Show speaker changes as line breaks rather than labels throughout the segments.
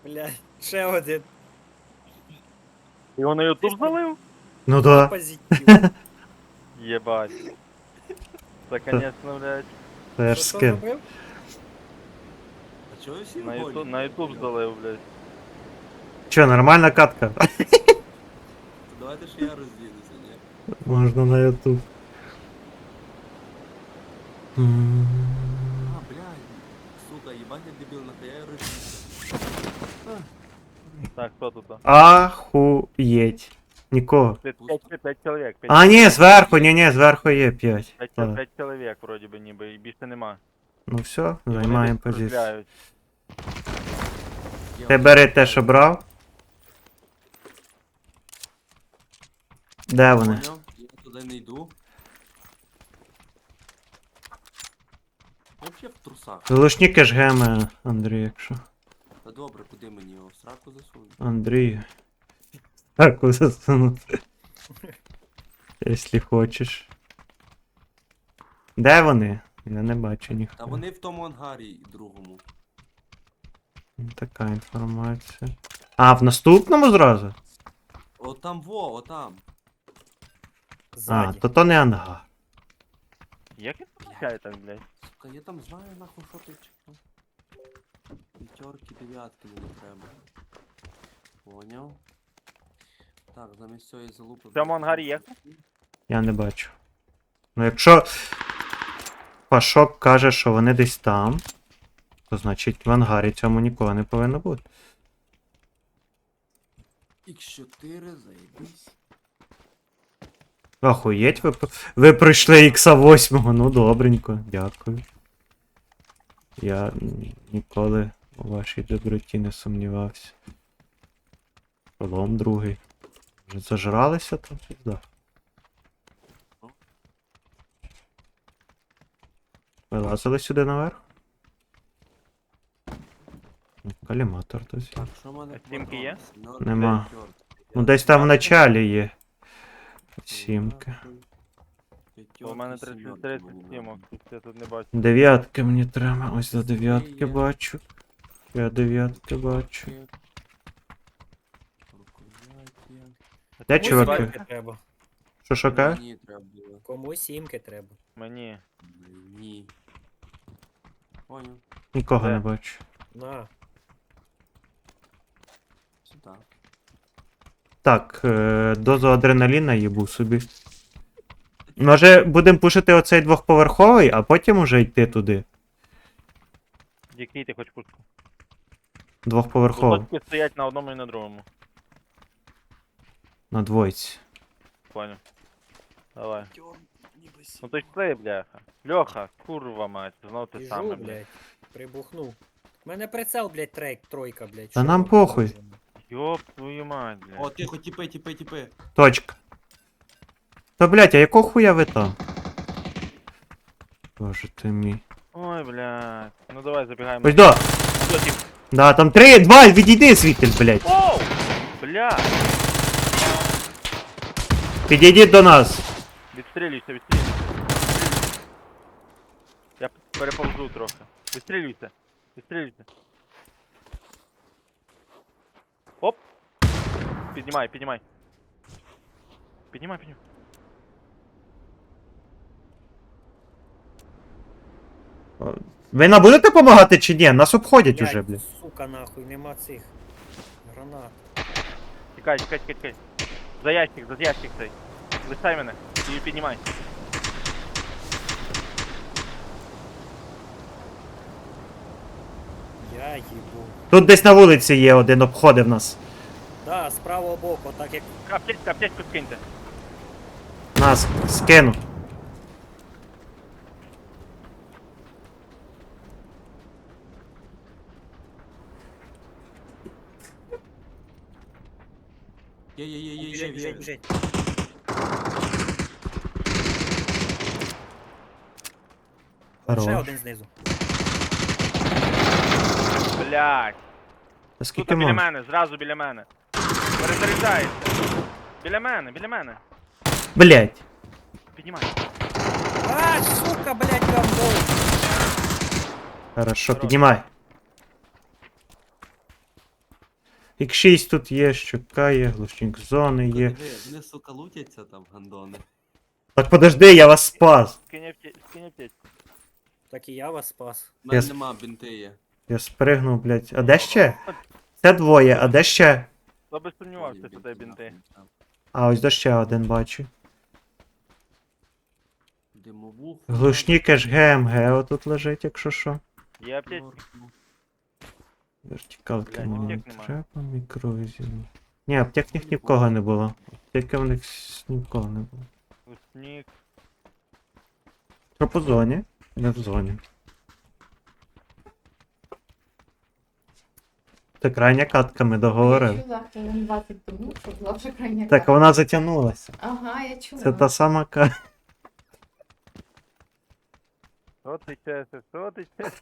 Блядь, ще один.
Його на ютуб залив?
Ну да.
Позитив.
Єбать. Це, конечно, блядь,
Це ж
Що
скин.
зробив?
А чого ви всі
на
голі?
ютуб, на ютуб залив, блядь.
Чо, нормальна катка?
То давайте ж я розділюся, ні?
Можна на ютуб.
А, блядь. Сука, їбать я дебіл, нахуя я розділюся.
Так, хто тут?
Ахуєть. Нікого.
П'ять чоловік.
А, ні, зверху, ні, зверху є 5.
П'ять чоловік, вроді би, ніби, і більше нема.
Ну все,
І вони
займаємо
десь
позицію.
стріляють.
Ти бери те, що брав. Де вони?
Поняв? Я туди не йду. Я взагалі в трусах.
Залушники ж геми, Андрій, якщо.
Та добре, куди мені його? В сраку засунути?
Андрій. Так, засунути. Якщо хочеш. Де вони? Я не бачу
Та
ніхто.
вони в тому ангарі другому.
Така інформація. А, в наступному зразу?
О, там во, отам.
А,
Ззаді.
то не ангар.
Як він помічає так, блядь?
Сука, я там знаю нахуй, що ти чекав. П'ятерки, дев'ятки мені треба. Поняв. Так, замість цієї залупи...
В цьому ангарі є?
Я не бачу. Ну якщо Пашок каже, що вони десь там, то значить в ангарі цьому нікого не повинно бути.
Х4, заєбись.
Охуєть, ви пройшли ікса 8, ну добренько, дякую. Я ніколи у вашій доброті не сумнівався. Полом другий. Вже зажралися там пізда. Вилазили сюди наверх? Каліматор то
Так, що в мене?
А сімки є?
Нема. Ну десь там в началі є. Сімки.
У мене 30 сімок, я тут не бачу.
Дев'ятки мені треба. Ось до дев'ятки бачу. Я дев'ятки бачу. Де
Комусь
чуваки?
сімки треба.
Що шукає?
Мені треба було.
Комусь сімки треба.
Мені.
Ні. Понял.
Нікого
Де?
не бачу.
На.
Сюди.
Так, дозу адреналіна їбу собі. Може будемо пушити оцей двохповерховий, а потім уже йти туди.
Який ти хочеш пушку?
Двохповерховий.
Точки стоять на одному і на другому.
На двойці.
Понял. Давай. Ну то йшли, бляха. Льоха, курва мать, знов ти саме,
Біжу,
блядь.
блядь. Прибухнув. У мене прицел, блядь, тройка, блядь.
Та
що
нам
ви
похуй.
робите?
Йоп твою мать, блядь.
О, тихо, тіпи.
Точка. Та блять, а якого хуя ви там? Боже ти мій.
Ой, блядь. Ну давай забігаємо.
Ось до!
Що, тип?
Да, там 3, 2, відійди звідти, блять.
Оу! Бля!
Підійдіть до нас.
Відстрілюйся. Я переповзу трохи. Відстрілюйся. Оп! Піднімай. Піднімай.
Ви нам будете допомагати чи ні? Нас обходять уже, блядь.
Сука, нахуй, нема цих гранат.
Тікай. За ящик цей. Листай мене і піднімай.
Я їбу.
Тут десь на вулиці є один, обходив нас.
Да, з правого боку, так як
Аптечку скиньте.
Нас скину.
Є.
біжить. Ще
Хорош.
один знизу.
Блядь.
Та
Тут
скільки
біля
можна?
мене, зразу біля мене. Перезаряджається. Біля мене.
Блять.
Піднімай.
А, сука, блядь, гандон.
Хорошо,
Хорош.
піднімай. Х6 тут є, щука є, глушник зони є.
Диви, вони, сука, лутяться там, гандони.
Так подожди, я вас спас.
Скинь аптечку.
Так і я вас спас.
У мене
Я
нема, бінти є.
Я спригнув, блядь. А де ще? Це двоє, а де ще?
Хто би сумнівався, що це бінти.
Там
А, ось де ще один бачу.
Димовух.
Глушник аж ГМГ отут лежить, якщо що.
Є аптечка?
Вертикалки
Блядь,
мені не
аптек нема.
треба, мікровізін. Ні, аптек в них ні в кого не було. Аптеки в них ні в кого не було.
Гусник.
Що по зоні? Не в зоні. Це крайня катка, ми
Я
договорили.
чула хвилин 20 тому, що була вже крайня
Так,
карта.
вона затягнулася.
Ага, я чула.
Це та сама катка.
Що ти чесиш? Що ти чесиш?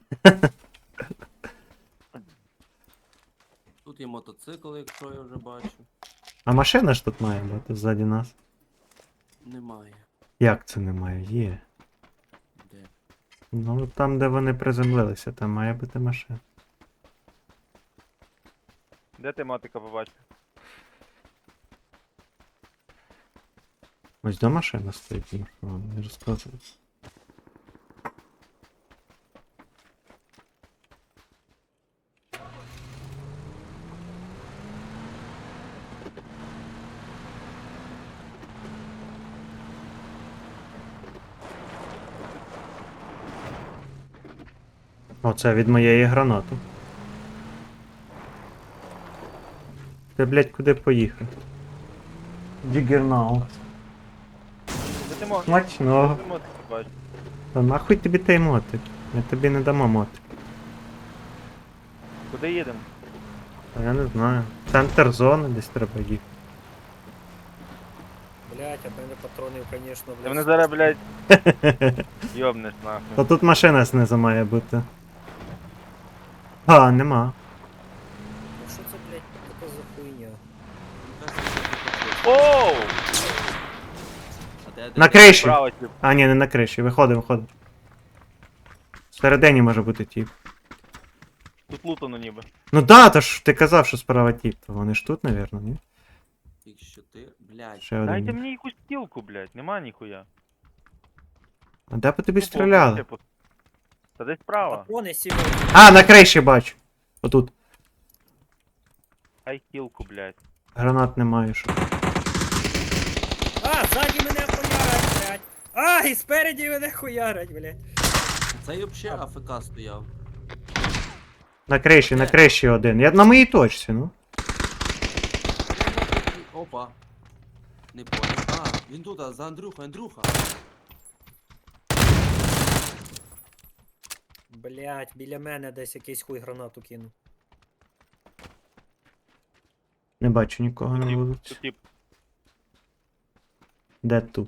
Тут є мотоцикл, якщо я вже бачу.
А машина ж тут має бути ззаді нас.
Немає.
Як це немає? Є.
Де?
Ну там, де вони приземлилися, там має бути машина.
Де ти мотика побачив?
Ось до машина стоїть, ну що вам не розказую. Оце від моєї гранати. Ти, блядь, куди поїхав? Дігернау.
Де ти мотик?
Смачного.
Де ти мотик побачив?
Та нахуй тобі той мотик? Ми тобі не дамо мотик.
Куди їдемо?
А я не знаю. Центр зони десь треба їхати.
Блять, а в мене патронів, звісно,
Ти
блядь.
мене зараз, блядь, йобнеш нахуй.
Та тут машина знизу має бути. А, нема.
Ну що це, блядь, таке за хуйня?
Ну, кажуть, що ти хочеш.
Оу!
А де?
На криші!
Право, тип.
А, ні, не на криші. Виходимо. Всередині може бути тіп.
Тут лутано ніби.
Ну да, то ж ти казав, що справа тіп. То вони ж тут, навірно, ні?
Якщо ти, блядь.
Ще
Дайте
один.
мені якусь стілку, блядь, нема ніхуя.
А де по тобі
Тупо,
стріляли?
типу. Та десь справа.
Патрони сіли.
А, на криші бачу. Отут.
Ай стілку, блядь.
Гранат немає, що.
А, ззаді мене хуярять, блядь. А, і спереді мене хуярять, блядь.
Цей взагалі АФК стояв.
На криші один. Я на моїй точці, ну.
Опа. Не понял. А, він тут, а, за Андрюха.
Блядь, біля мене десь якийсь хуй гранату кинув.
Не бачу нікого на
Тіп,
вулиці.
тут тип.
Де тут?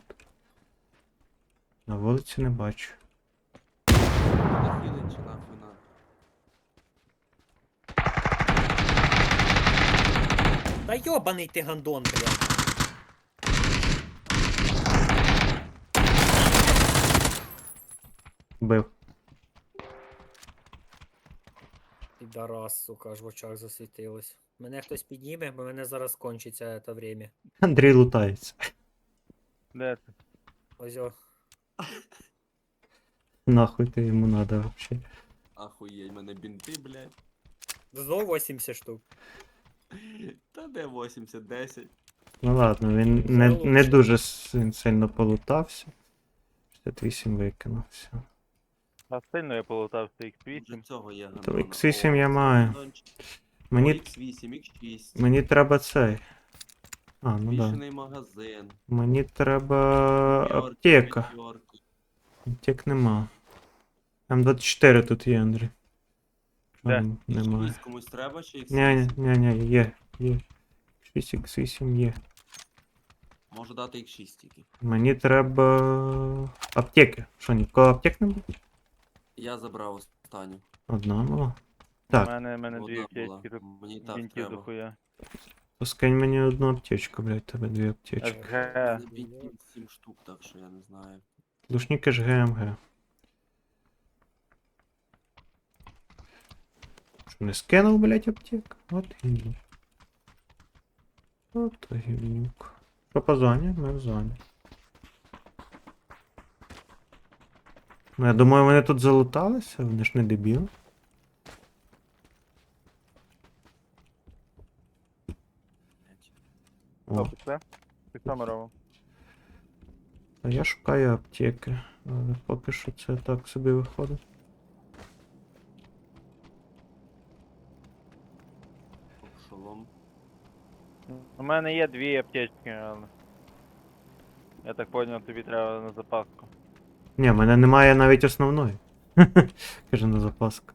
На вулиці не бачу.
Нахилить чи нахуй на.
Та йобаний ти гандон, блядь.
Бив.
Підарас, сука, аж в очах засвітилось. Мене хтось підніме, бо мене зараз кончиться це время.
Андрій лутається.
Де ти?
Ось о.
Нахуй ти йому надо вообще.
Ахуєть, мене бінти, блядь.
Знову 80 штук.
Та де 80, 10.
Ну ладно, він не дуже сильно полутався. 68 викинув, все.
А сильно я полутав з
Вже
X8.
цього є
То
гандона.
X8 я
О,
маю.
гандончик.
Мені,
X8, X6.
мені треба цей. А, ну да.
Збільшений магазин.
Мені треба
П'ятерки,
аптека.
п'ятерки.
Аптек нема. М24 тут є, Андрій.
Де?
Немає.
X6 комусь треба чи X8?
Ні, є. 6x8 є.
Можу дати X6 тільки.
Мені треба аптеки. Що, нікого аптек не буде?
Я забрав останню.
Одна, ну.
У
Так,
мене дві
Одна була.
аптечки, тут
Мені так
бінтів
треба.
дохуя.
то скинь мені одну аптечку, блядь, тебе дві аптечки.
СГ.
Мене бінтів 7 штук, так що я не знаю.
Лушники ж ГМГ. Що, не скинув, блядь, аптек? От і ні. От гівнюк. Що по зоні? Ми в зоні. Ну, я думаю, вони тут залуталися, вони ж не дебіли.
Що,
О,
пішли? Ти що ми робимо?
а я шукаю аптеки, але поки що це так собі виходить.
Шолом.
У мене є 2 аптечки, але... Я так поняв, тобі треба на запаску.
Ні, в мене немає навіть основної. Каже на запаску.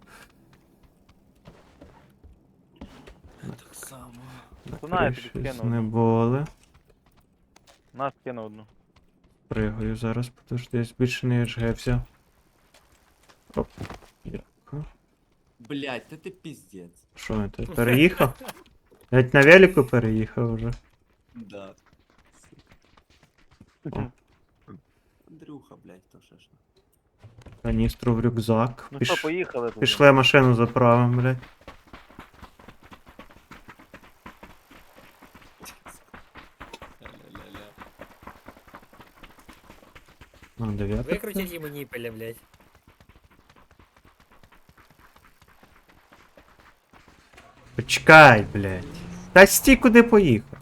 Так само.
Знаю, я тобі
Щось
скину
не
одну.
були.
Нас кину одну.
Пригаю зараз, подожди, збільшений HG взяв. Оп. Дякую.
Блять, та ти піздець.
Що я тут переїхав? Навіть на велику переїхав вже.
Да.
О.
Андрюха, блять, то ще ж.
Каністру в рюкзак.
Ну що, поїхали тоді.
Пішли машину заправимо, блядь.
Ля-ля-ля-ля.
Ну, дев'ятка.
Викрутять йому ніпеля, блядь.
Почекай, блядь. Та стій, куди поїхав.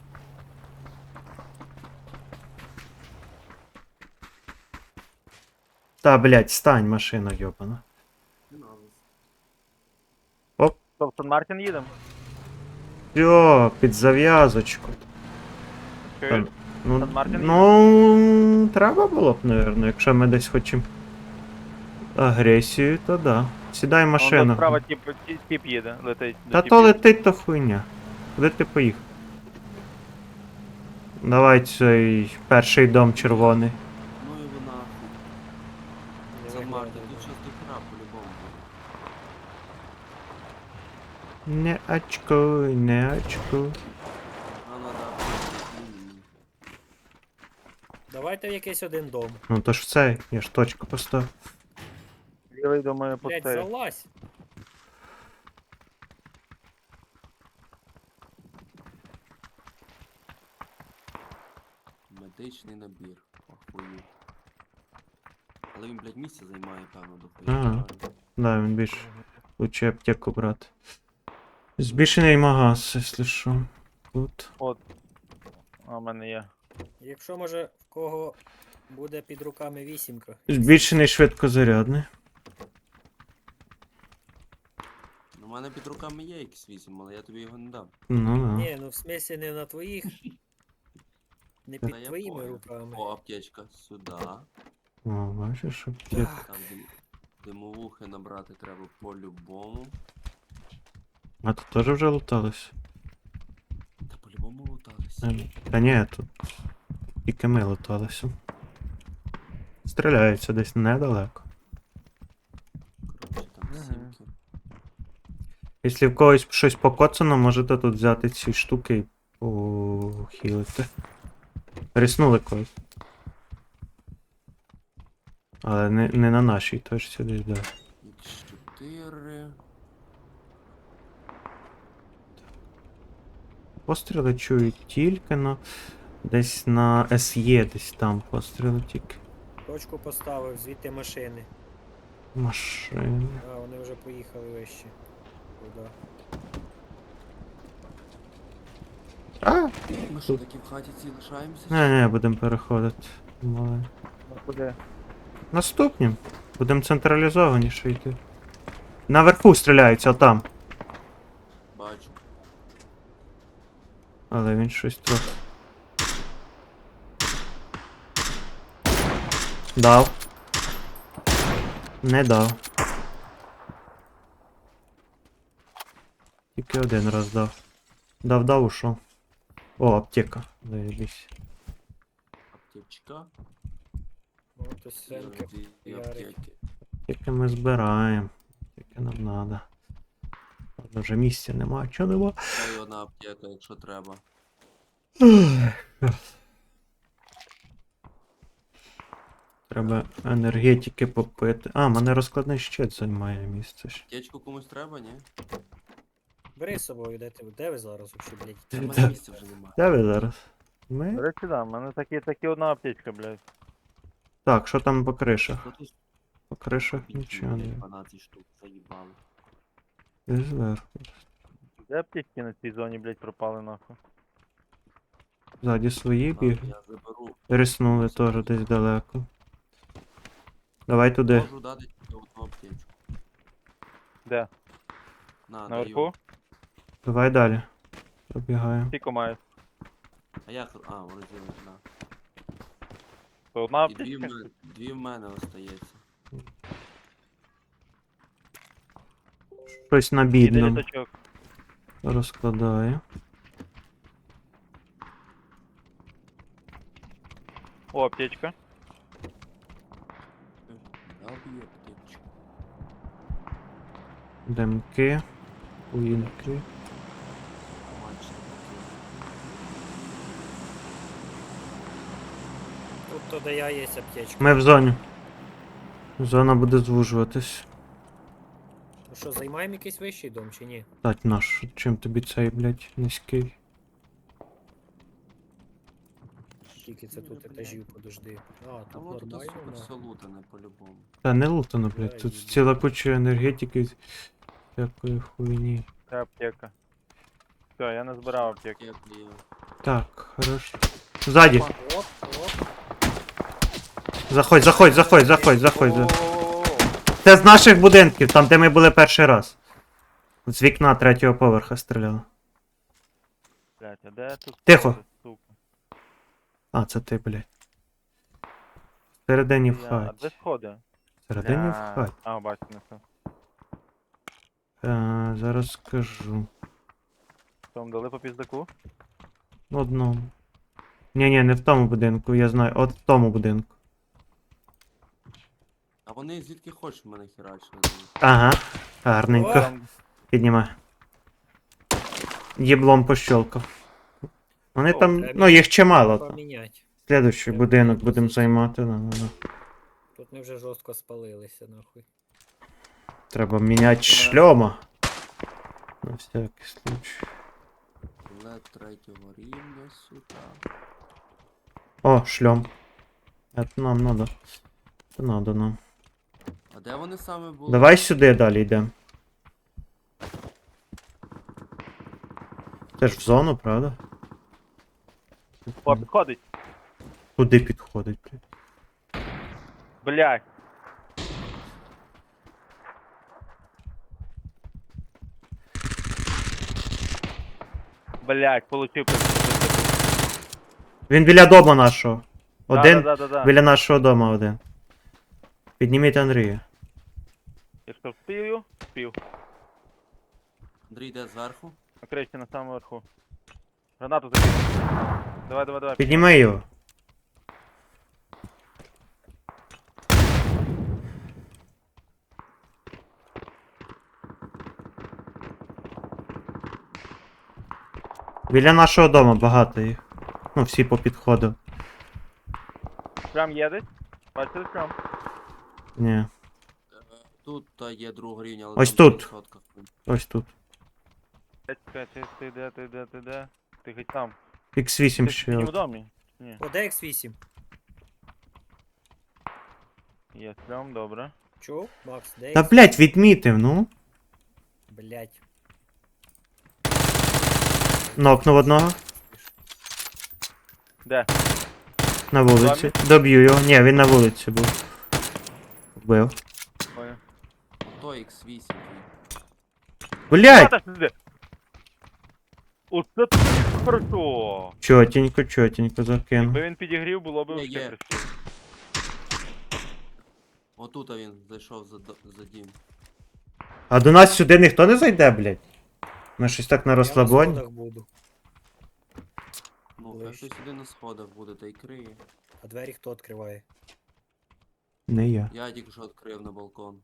Та, блядь, стань, машина йобана.
Не надо.
Що, в Сан-Мартін їдемо?
Йо, під зав'язочку.
Чуєш?
Ну,
Сан-Мартін
ну, треба було б, напевно, якщо ми десь хочемо агресію, то да. Сідай в
Вон
машину.
справа тип їде, летить.
Та
до
то
тіпів.
летить, то хуйня. Куди ти поїхав? Давай цей перший дом червоний.
Ну його нахуй.
Не
Це
виглядає
Мартин,
добре.
тут щас до хера по-любому буде.
Не очкуй, не очкуй.
А надо аптеку.
Давайте в якийсь один дом.
Ну то ж в цей, я ж точку поставив.
Лівий, думаю,
Блядь,
пустий.
залазь.
Медичний набір. Охуєть. Але він, блядь, місце займає, певно, до хуя.
Ага.
правильно?
Да, він більш лучше аптеку брати. Збільшений магаз, якщо що. Тут.
От. А в мене є.
Якщо може в кого буде під руками вісімка.
Збільшений швидкозарядний.
У мене під руками є X8, але я тобі його не дам.
Ну да.
Ні, ну в смислі не на твоїх. Не
Та
під
я
твоїми
понял.
руками.
О, аптечка. Сюди.
О, бачиш, аптека.
Так.
Там димовухи набрати треба по-любому.
А тут теж вже лутались.
Та по-любому лутались.
Та ні, тут тільки ми луталися. Стріляються десь недалеко.
Коротше, там
Мгм.
сімки.
Якщо в когось щось покоцано, можете тут взяти ці штуки і похилити. Ріснули когось. Але не на нашій точці десь, да.
X4.
Постріли чую тільки, но десь на СЄ десь там постріли тільки.
Точку поставив, звідти машини.
Машини.
А, вони вже поїхали вище. Туди.
А!
Ми що, такі в хаті ці лишаємося?
Не, будемо переходити. Мали.
Ну куди?
Наступнім. Будемо централізованіше йти. Наверху стріляються, там.
Бачу.
Але він щось трохи. Дав. Не дав. Тільки один раз дав. Дав, ушов. О, аптека. Заєбісь.
Аптечка.
От ось сенки.
І
Ярик.
аптеки.
Тільки ми збираємо. Тільки нам надо. Правда, вже місця нема, чого нема.
Та й одна аптека, якщо треба.
Треба енергетики попити. А, мене розкладний щит займає місце. ще.
Аптечку комусь треба, ні?
Бери з собою, де ви зараз взагалі, блядь?
Та в мене місця вже немає.
Де ви зараз?
До
Ми?
речі, да, в мене такі одна аптечка, блядь.
Так, що там по кришах?
Що тут
По кришах
бінтів,
нічого
блядь,
не.
12 штук заїбали.
Десь зверху.
Де аптечки на цій зоні, блядь, пропали нахуй?
Ззаді свої
Ладно,
біг.
я заберу.
Риснули теж десь далеко. Давай туди.
Можу дати тільки одну аптечку.
Де?
На,
Наверху?
даю.
Давай далі. Пробігаємо.
Скільки маєш?
А як? А, в розділі, да.
То одна
І дві в
аптечка?
мене, дві в мене остається.
Щось на
Іде
бідному
літачок.
розкладаю.
О, аптечка.
Дав їй аптечку.
Демки. Уїнки.
Мальчик такий.
Тут то де я є аптечка.
Ми в зоні. Зона буде звужуватись.
Ну що, займаємо якийсь вищий дом чи ні?
Тать наш, чим тобі цей, блядь, низький?
Скільки це тут
Блядь.
етажів, подожди. А,
А
тут
вот тут
нормально.
супер
ну.
все лутане по-любому.
Та не лутано, блядь, тут
їду.
ціла куча енергетики, всякої хуйні.
Це аптека. Все, я не збирав аптеки.
Як є.
Так, хорошо. Ззаді!
Оп, оп.
Заходь, заходь, заходь, заходь, заходь.
О-о-о-о-о.
Це з наших будинків, там де ми були перший раз. З вікна третього поверха стріляли.
Блядь, а де тут?
Тихо.
сходи, сука?
А, це ти, блядь. Всередині в
А де
хаті.
сходи?
Всередині в
Бля.
хаті.
А, бачу, не все.
Зараз скажу.
Там дали по піздаку?
В одному. Ні, не в тому будинку, я знаю. От в тому будинку.
А вони звідки хочеш в мене херачили?
Ага. Гарненько.
Там
Піднімай. Єблом пощолкав. Вони
О,
там,
треба
ну їх чимало там.
Поміняти.
Слідуючий
Треба
будинок
міняти
будемо
позицію.
займати. Ну.
Тут ми вже жорстко спалилися, нахуй.
Треба міняти шльома. На всякий случай.
Лед третього рівня, сука.
О, шльом. Это нам надо. Це надо нам.
А де вони саме були?
Давай сюди далі йдемо. Це ж в зону, правда?
О, підходить.
Куди підходить, блядь?
Блядь. Блядь, получив.
Він біля дома нашого. Один
Да.
біля нашого дома один. Підніміть Андрія.
Якщо вспію, вспів.
Андрій йде зверху.
На кришці на самому верху. Гранату закинув. Давай.
Підніми його. Біля нашого дома багато їх. Ну, всі попідходив.
Прям є десь? Бачите прям?
Ні.
Тут та є другого рівня, але
Ось
там
тут.
200.
Ось тут.
Чекай, ти де? Ти хоч там.
X8
Ти
ще.
в
от.
домі? Ні.
О, де X8?
Є прям, добре.
Чув? Макс, де
Та
X8?
блять, відмітив, ну.
Блять.
Нокнув одного.
Де?
На вулиці. Доб'ю його. Ні, він на вулиці був. Вбив.
Ой.
То X8.
Блять!
Та сюди. Оце так хорошо.
Чотенько закинув.
Якби він підігрів, було б
Є,
вообще
є.
красиво.
Отут він зайшов за дім.
А до нас сюди ніхто не зайде, блять. Ми щось так на
Я на
розслабоні.
сходах буду.
Ну,
Ближче.
хай хтось сюди на сходах буде, та й криє.
А двері хто відкриває?
Не я.
Я тільки що відкрив на балкон.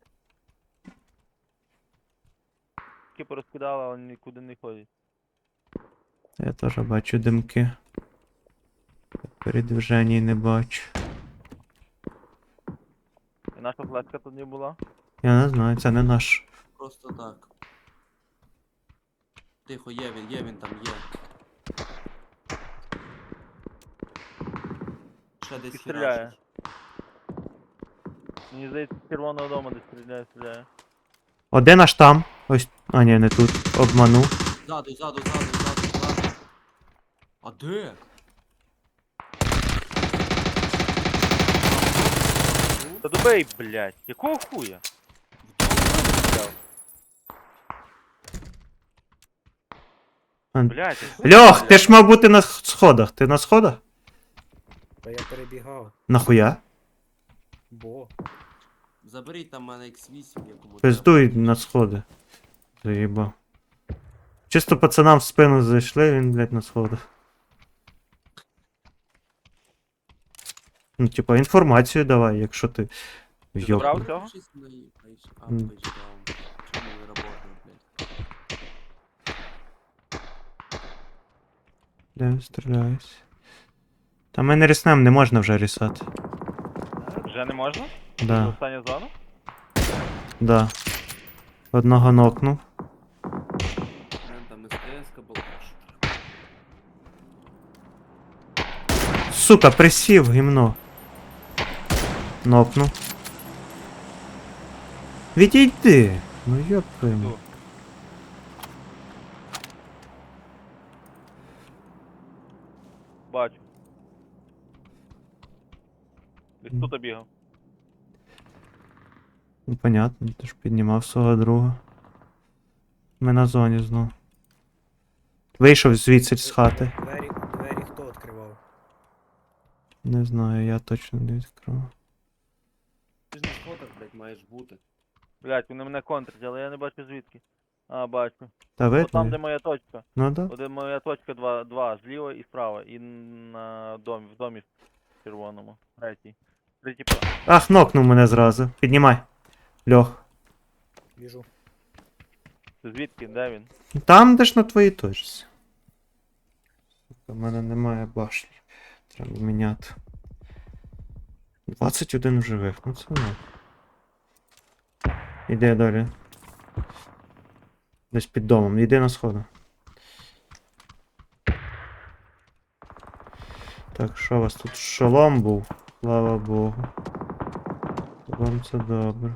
Тільки порозкидали, але нікуди не ходять.
Я теж бачу димки. Передвиження не бачу.
І наша флешка тут не була.
Я не знаю, це не наш.
Просто так. Тихо, є він там є. Ще десь
І стріляє.
херачить.
Мені здається, з червоного дому десь стріляє.
Один аж там. Ось. А, ні, не тут. Обманув.
Ззаду. А де?
Та добей, блядь, якого хуя? Блядь,
Льох, ти ж мав бути на сходах. Ти на сходах?
Та я перебігав.
Нахуя?
Бо.
Заберіть там мене X8, якому треба.
Пиздуй на сходи. Заїбав. Чисто пацанам в спину зайшли, він, блядь, на сходах. Ну, типа, інформацію давай, якщо ти.
Ти забрав
Йоп.
цього?
Щось на її пейдж. А,
М.
пейдж даун. Чому не работає, блядь?
Де стріляюсь? Та ми не ріснем, не можна вже рісати.
Вже не можна?
Да,
Остання зона?
да. Одного нокнув.
Там СТС-ка була.
Сука, присів, гімно. Нокнув. Відійди! Ну йоп твою мать.
Йду. Бачу. Десь тут бігав.
Ну понятно, ти ж піднімав свого друга. Ми на зоні знов. Вийшов звідси з хати.
Двері хто відкривав?
Не знаю, я точно не відкрив.
Ти ж на сходах, блядь, маєш бути.
Блядь, вони мене контрять, але я не бачу звідки. А, бачу.
Та
От там, де
видно?
моя точка.
Ну да.
От де моя точка, два, зліва і справа. І на домі, в домі червоному. Третій план.
Ах, нокнув мене зразу. Піднімай. Льох.
Біжу.
Це звідки? Де він?
Там, де ж на твоїй точці. Сука, в мене немає башні. Треба міняти. 21 в живих, ну це не. Іди далі. Десь під домом, іди на сходи. Так, що у вас тут? Шолом був? Слава Богу. Вам це добре.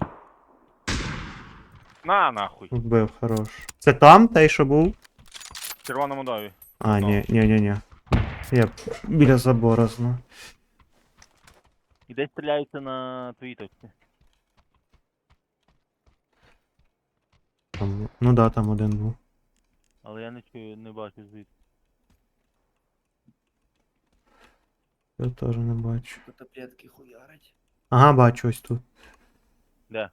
На нахуй!
Вбив, хорош. Це там, той, що був?
В червоному домі.
А,
Ну.
ні. Я біля забора знаю.
І десь стріляються на твоїй точці.
Там, ну да, там один був.
Але я не чую, не бачу звідки.
Я теж не бачу.
Котоплетки хуярить.
Ага, бачу ось тут.
Де?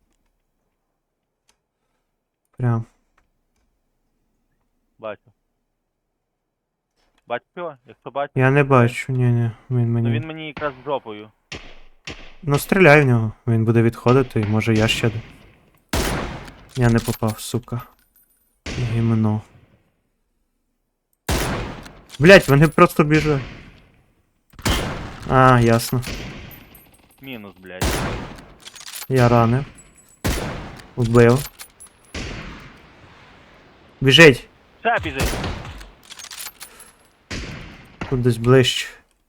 Прям.
Бачу. Бачу його? Якщо бачу,
Я не бачу, ні, він
ну
мені.
він мені якраз жопою.
Ну стріляй в нього. Він буде відходити, і може я ще. Я не попав, сука. Гімно. Блять, вони просто біжать. А, ясно.
Мінус, блядь.
Я ранив. Вбив. Біжить!
Ще біжить!
Тут десь ближче.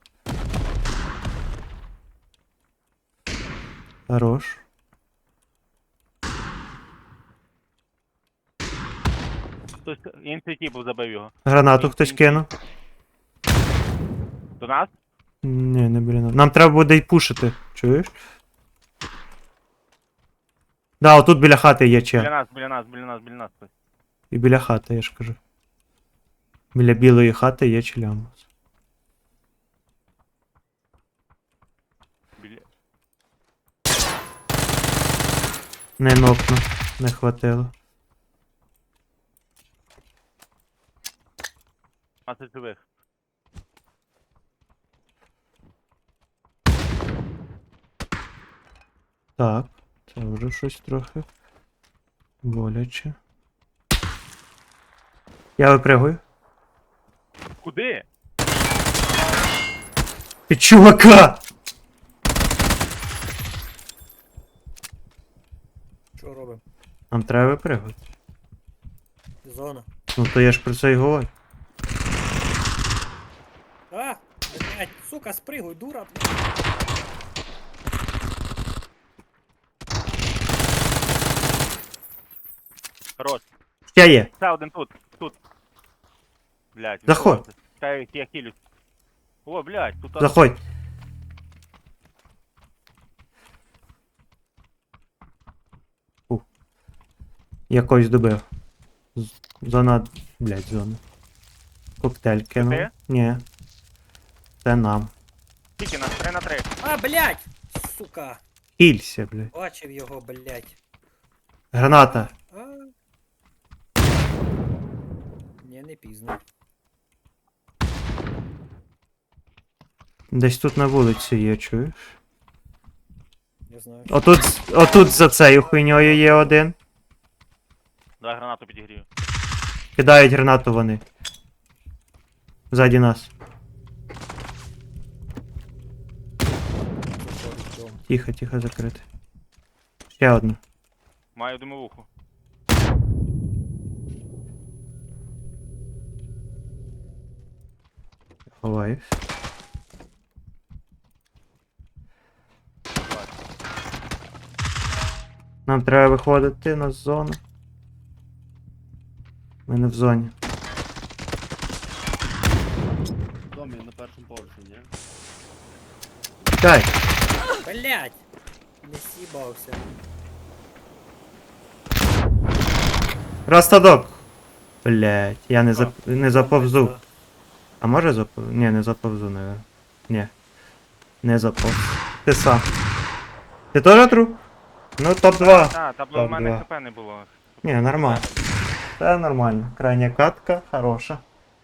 Хорош.
Хтось інший тіп забив його.
Гранату хтось кинув.
До нас?
Ні, не біля нас. Нам треба буде й пушити. Чуєш? Да, отут біля хати є че.
Біля нас хтось.
І біля хати, я ж кажу. Біля білої хати є челямус.
Біля...
Не нокну, не хватило.
15 живих.
Так, це вже щось трохи боляче. Я випрягую.
Куди?
Під чувака!
Що робимо?
Нам треба випрягувати.
Зона.
Ну то я ж про це й говорю.
А, блядь, сука, спригуй, дура, блядь.
Хорош.
Ще є.
Ще один тут. Тут. Блядь.
Заходь.
відходь. Чекай, я хилюсь. О, блядь, тут...
Заходь. Я когось добив. Зона. Блядь, зона. Коктейль кинув.
ти?
Ні. Це нам.
Тільки на 3 на 3.
А, блядь! Сука!
Хілься, блядь.
Бачив його, блядь.
Граната.
А. Ні, не пізно.
Десь тут на вулиці є, чуєш?
Я знаю.
Отут за цією хуйньою є один.
Давай гранату підігрію.
Кидають гранату вони. Ззаді нас.
Заходить дом.
Тихо, тихо, закрити. Ще одна.
Маю димовуху.
Ховаюсь. Нам треба виходити на зону. Ми не в зоні.
В домі на першому поверсі, ні?
Чекай!
Блядь! Не сібався.
Растадок! Блять, я не заповзу. А може заповзу? Ні, не заповзу, наверное. Ні. Не заповзу. Ти сам. Ти теж труп? Ну, топ-2.
Так, та в
Так,
мене
два.
хп не було.
Ні, нормально. Це нормально. Крайня катка, хороша.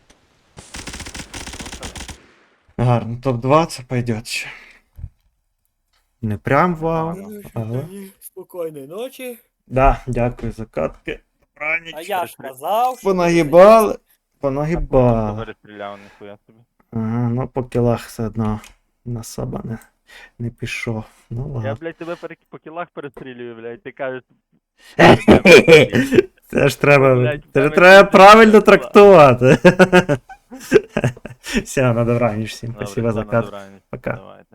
Гарно, топ-2 це пойдет ще. Не прям вау, але...
Спокійної ночі.
Да, дякую за катки.
А
Раніч.
я ж казав, що...
Понагибали. Понагибали.
Перестріляв, ніхуя собі.
Ага, ну по кілах все одно на саба не пішов. Ну
Я,
ладно.
блядь, тебе по кілах перестрілюю, блядь, ти кажеш...
Це ж треба.
Блядь,
Це ж
тебе
треба
кілька
правильно
була.
трактувати. Все, на добраніч всім.
Добре,
Спасибо за
все, на
катку.
добраніч.
Пока.
Давай.